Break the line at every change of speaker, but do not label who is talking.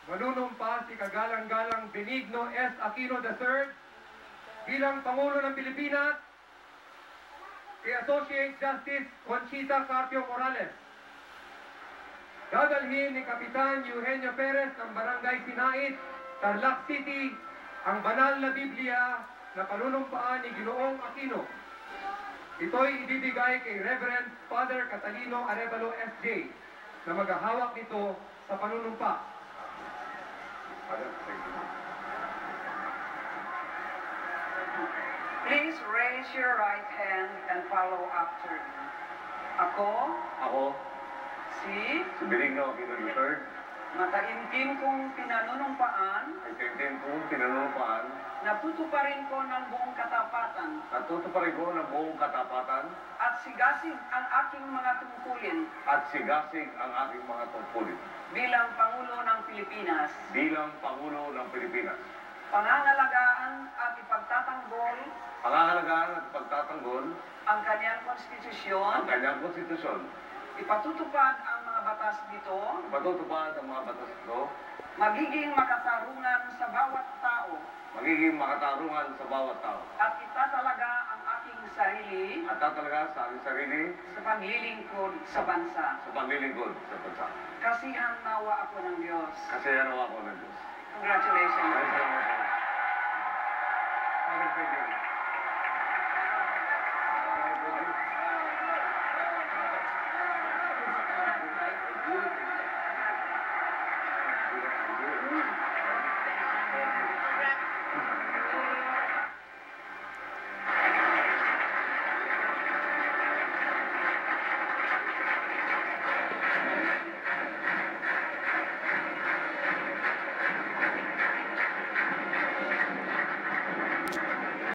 manunumpa si kagalang-galang Benigno S. Aquino III bilang Pangulo ng Pilipinas kay Associate Justice Conchita Carpio Morales. Dadalhin ni Kapitan Eugenio Perez ng Barangay Sinait, Tarlac City, ang banal na Biblia na panunumpaan ni Ginoong Aquino. Ito'y ibibigay kay Reverend Father Catalino Arevalo S.J. na maghahawak nito sa panunumpa.
Please raise your right hand and follow after me. Ako, si
Benigno Aquino III,
mataimtim kong pinanunumpaan na tutuparin ko ng buong katapatan at sigasig ang aking mga tungkulin bilang Pangulo ng Pilipinas. Pangangalagaan at ipagtatanggol ang kanyang konstitusyon, ipatutupad ang mga batas nito, magiging makatarungan sa bawat tao, at itatalaga ang aking sarili sa paglilingkod sa bansa. Kasihan nawa ako ng Diyos. Congratulations.
Thank you.